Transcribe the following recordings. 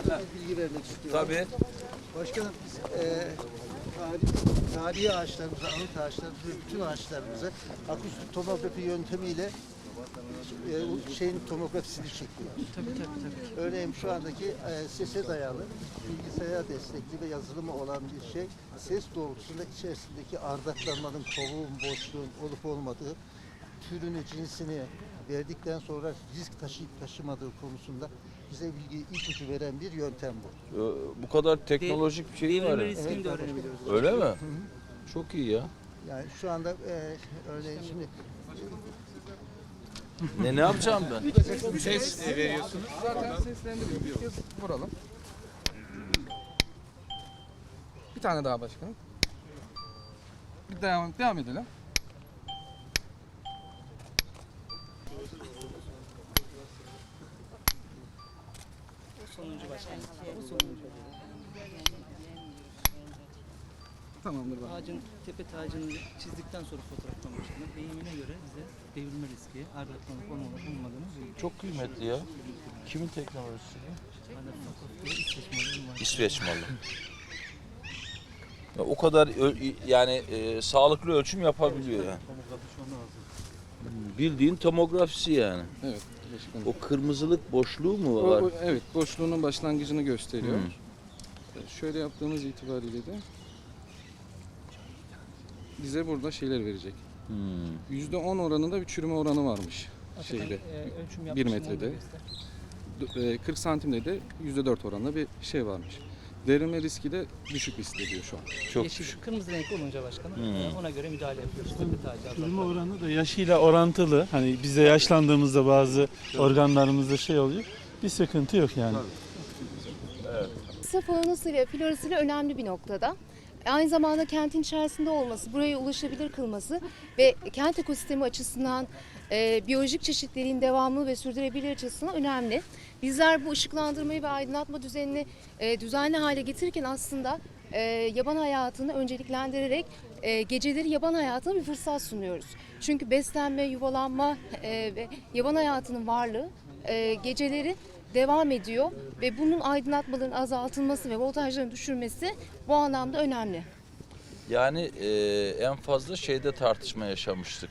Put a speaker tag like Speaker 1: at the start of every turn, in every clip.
Speaker 1: bir bilgi vermek istiyorum.
Speaker 2: Tabii.
Speaker 1: Başkanım biz tarihi ağaçlarımıza, anıt ağaçlarımıza, bütün ağaçlarımıza akustik tomografi yöntemiyle şeyin tomografisini çekiyoruz.
Speaker 3: Tabii.
Speaker 1: Örneğin şu andaki sese dayalı, bilgisayar destekli ve yazılımı olan bir şey, ses doğrultusunda içerisindeki ardaklanmanın, kovuğun, boşluğun olup olmadığı, türünü, cinsini verdikten sonra risk taşıyıp taşımadığı konusunda bize bilgi, ipucu veren bir yöntem bu.
Speaker 2: Bu kadar teknolojik bir şey var.
Speaker 3: Devrilme
Speaker 2: ya.
Speaker 3: riskini de öğrenebiliyoruz.
Speaker 2: Öyle mi? Çok iyi ya.
Speaker 1: Yani şu anda örneğin şimdi
Speaker 2: Ne yapacağım ben?
Speaker 4: Ses veriyorsunuz.
Speaker 5: Zaten seslendiriyor. Bir kez vuralım. Bir tane daha başkanım. Bir devam edelim.
Speaker 3: Sonuncu başkanım. Bu sonuncu.
Speaker 5: Tamamdır bak.
Speaker 3: Ağacın, tepe tacını çizdikten sonra fotoğraftan başkanım. Deyimine göre bize devrilme riski, ardaklanıp olmadığını buluyor.
Speaker 2: Çok kıymetli ya. Kimin teknolojisi?
Speaker 3: İsveç
Speaker 2: İsveç malı. Ya o kadar yani sağlıklı ölçüm yapabiliyor yani. Bildiğin tomografisi yani.
Speaker 5: Evet başkanım.
Speaker 2: O kırmızılık boşluğu mu var?
Speaker 5: Evet, boşluğunun başlangıcını gösteriyor. Şöyle yaptığımız itibariyle de bize burada şeyler verecek. %10 oranında bir çürüme oranı varmış şeyde. 1 metrede. 40 santimde de %4 oranında bir şey varmış. Devrilme riski de düşük hissediyor şu an.
Speaker 2: Çok
Speaker 3: Yeşil, kırmızı renk olunca başkanım ona göre müdahale yapıyoruz. Tepe tacı
Speaker 6: Çürüme oranı da yaşıyla orantılı. Hani biz de yaşlandığımızda bazı organlarımızda şey oluyor. Bir sıkıntı yok yani.
Speaker 7: Faunasıyla, florasıyla önemli bir noktada. Aynı zamanda kentin içerisinde olması, buraya ulaşabilir kılması ve kent ekosistemi açısından biyolojik çeşitliliğin devamlı ve sürdürülebilir açısından önemli. Bizler bu ışıklandırmayı ve aydınlatma düzenini düzenli hale getirirken aslında yaban hayatını önceliklendirerek geceleri yaban hayatına bir fırsat sunuyoruz. Çünkü beslenme, yuvalanma ve yaban hayatının varlığı geceleri devam ediyor ve bunun aydınlatmaların azaltılması ve voltajların düşürmesi bu anlamda önemli.
Speaker 2: Yani en fazla şeyde tartışma yaşamıştık.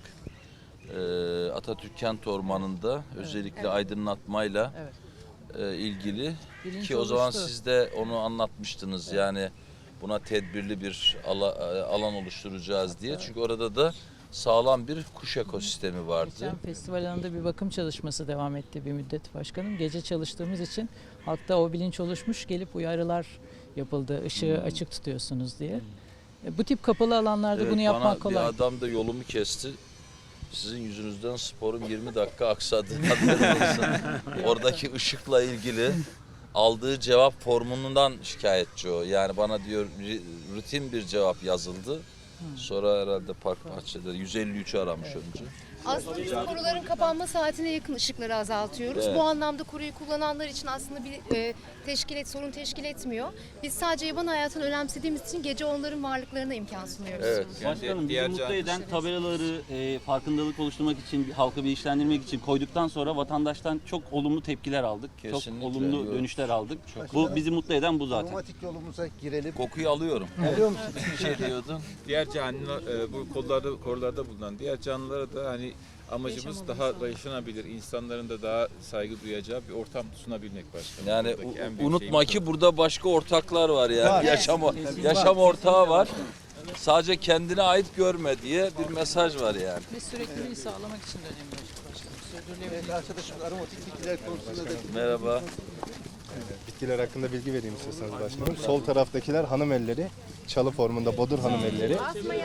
Speaker 2: Atatürk Kent Ormanı'nda özellikle aydınlatmayla ilgili
Speaker 3: Bilinç
Speaker 2: ki o zaman
Speaker 3: oluştu.
Speaker 2: siz de onu anlatmıştınız. Yani buna tedbirli bir alan oluşturacağız diye. Çünkü orada da sağlam bir kuş ekosistemi vardı.
Speaker 8: Geçen festival alanında bir bakım çalışması devam etti bir müddet başkanım. Gece çalıştığımız için halkta o bilinç oluşmuş, gelip uyarılar yapıldı. Işığı açık tutuyorsunuz diye. Bu tip kapalı alanlarda
Speaker 2: Evet,
Speaker 8: bunu yapmak
Speaker 2: bana
Speaker 8: kolay.
Speaker 2: bir adam da yolumu kesti. Sizin yüzünüzden sporum 20 dakika aksadı. Haberin olsun. Oradaki ışıkla ilgili aldığı cevap formundan şikayetçi o. Yani bana diyor rutin bir cevap yazıldı. Sonra herhalde park bahçede 153'ü aramış önce.
Speaker 7: Aslında biz koruların kapanma saatine yakın ışıkları azaltıyoruz.
Speaker 2: Evet.
Speaker 7: Bu anlamda koruyu kullananlar için aslında bir sorun teşkil etmiyor. Biz sadece yaban hayatını önemsediğimiz için gece onların varlıklarına imkan sunuyoruz.
Speaker 2: Evet.
Speaker 4: diğer
Speaker 9: Başkanım bizi mutlu
Speaker 4: can-
Speaker 9: eden tabelaları farkındalık oluşturmak için, halkı bilinçlendirmek için koyduktan sonra vatandaştan çok olumlu tepkiler aldık.
Speaker 2: Kesinlikle,
Speaker 9: Çok olumlu
Speaker 2: evet.
Speaker 9: dönüşler aldık. Bu bizi mutlu eden bu zaten.
Speaker 1: romantik yolumuza girelim.
Speaker 2: Kokuyu alıyorum.
Speaker 1: Biliyor musun?
Speaker 2: Bir şey diyordun.
Speaker 4: Diğer canlı bu korularda bulunan diğer canlılara da hani amacımız daha yaşanabilir, insanların da daha saygı duyacağı bir ortam sunabilmek başkanım.
Speaker 2: Yani
Speaker 4: Buradaki en büyük
Speaker 2: unutma
Speaker 4: şeyimiz
Speaker 2: ki
Speaker 4: o.
Speaker 2: burada başka ortaklar var yani.
Speaker 1: Var.
Speaker 2: Yaşam ortağı var. Sadece kendine ait görme diye bir mesaj var yani.
Speaker 8: Ve sürekliliği sağlamak için de önemli başkanım. Sürdürülebilir.
Speaker 1: Evet, arkadaşım aromatik bitkiler konusunda da
Speaker 2: Merhaba.
Speaker 10: Bitkiler hakkında bilgi vereyim istiyorsanız başkanım. Sol taraftakiler hanım elleri, çalı formunda bodur hanım elleri.